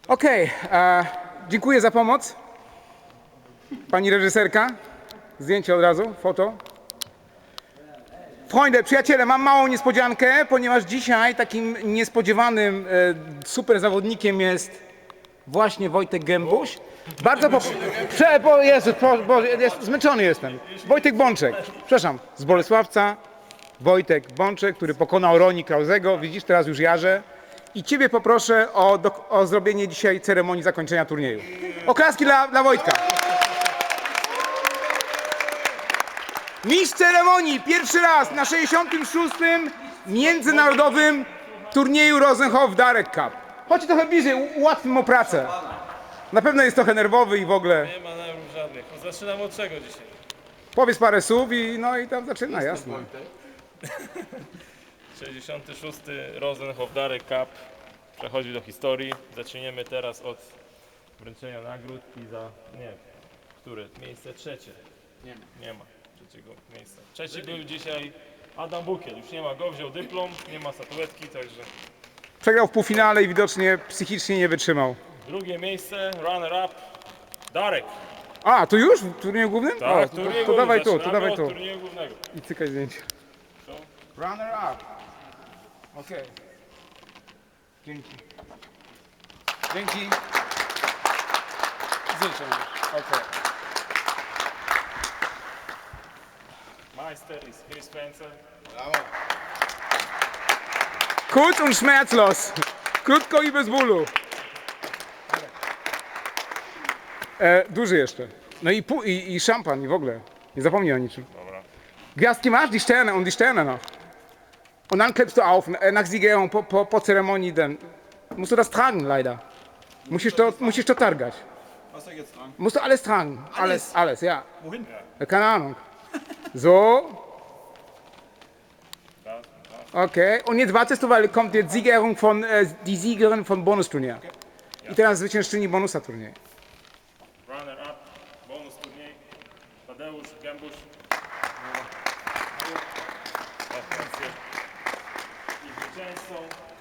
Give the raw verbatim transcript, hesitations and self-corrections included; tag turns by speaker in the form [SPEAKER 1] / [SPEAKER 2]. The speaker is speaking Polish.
[SPEAKER 1] Okej, okay, dziękuję za pomoc. Pani reżyserka. Zdjęcie od razu, foto. Freunde, przyjaciele, mam małą niespodziankę, ponieważ dzisiaj takim niespodziewanym e, super zawodnikiem jest właśnie Wojtek Gębuś. Bardzo po... Prze... Bo Jezu, po... Bo... Jest... zmęczony jestem. Wojtek Bączek, przepraszam, z Bolesławca. Wojtek Bączek, który pokonał Roni Krauzego. Widzisz, teraz już jarzę. I ciebie poproszę o, do... o zrobienie dzisiaj ceremonii zakończenia turnieju. Oklaski dla, dla Wojtka. Mistrz ceremonii, pierwszy raz na sześćdziesiątym szóstym międzynarodowym turnieju Rosenhof Darek Cup. Chodź trochę bliżej, u- ułatwmy mu pracę. Na pewno jest trochę nerwowy i w ogóle.
[SPEAKER 2] Nie ma nerwów żadnych. No, zaczynam od czego dzisiaj?
[SPEAKER 1] Powiedz parę słów i no i tam zaczyna, jasne.
[SPEAKER 2] sześćdziesiąty szósty Rosenhof Darek Cup przechodzi do historii. Zaczniemy teraz od wręczenia nagród i za, nie, które? Miejsce trzecie. Nie ma. Nie ma trzeciego miejsca. Trzeci był dzisiaj Adam Bukiel. Już nie ma go, wziął dyplom, nie ma statuetki, także...
[SPEAKER 1] Przegrał w półfinale i widocznie psychicznie nie wytrzymał.
[SPEAKER 2] Drugie miejsce, runner-up, Darek.
[SPEAKER 1] A, tu już? W turnieju głównym?
[SPEAKER 2] Tak,
[SPEAKER 1] O, to, to, to dawaj tu, to
[SPEAKER 2] zaczynamy
[SPEAKER 1] dawaj
[SPEAKER 2] od
[SPEAKER 1] tu.
[SPEAKER 2] turnieju głównego.
[SPEAKER 1] I cykaj zdjęcie.
[SPEAKER 2] Co?
[SPEAKER 1] Runner up. Okej. Dzięki. Dzięki. Zdjęcie. Okej.
[SPEAKER 2] Meister ist Chris Spencer.
[SPEAKER 1] Kurz und schmerzlos. Krótko i bez bólu. E, duży jeszcze. No i, pu- i, i szampan i w ogóle. Nie zapomnij o niczym.
[SPEAKER 2] Dobra.
[SPEAKER 1] Gwiazdki masz? Die Sterne und die Sterne noch. Und dann klippst du auf, äh, nach Siegerehrung, po, po, po Zeremonie dann. Musst du das tragen, leider. Musisz to, musisz to targać.
[SPEAKER 3] Was soll ich jetzt tragen?
[SPEAKER 1] Musst du alles tragen. Alles, alles, ja.
[SPEAKER 3] Wohin?
[SPEAKER 1] Ja, keine Ahnung. So.
[SPEAKER 2] Tak,
[SPEAKER 1] Okay. Und jetzt wartest du, weil kommt jetzt Siegerehrung von, äh, die Siegerin von Bonusturnier. I teraz zwyciężczyni bonusa turnieju.
[SPEAKER 2] runner-up, bonus turniej, Tadeusz Gębuś. Gratulacje. I zwycięzcą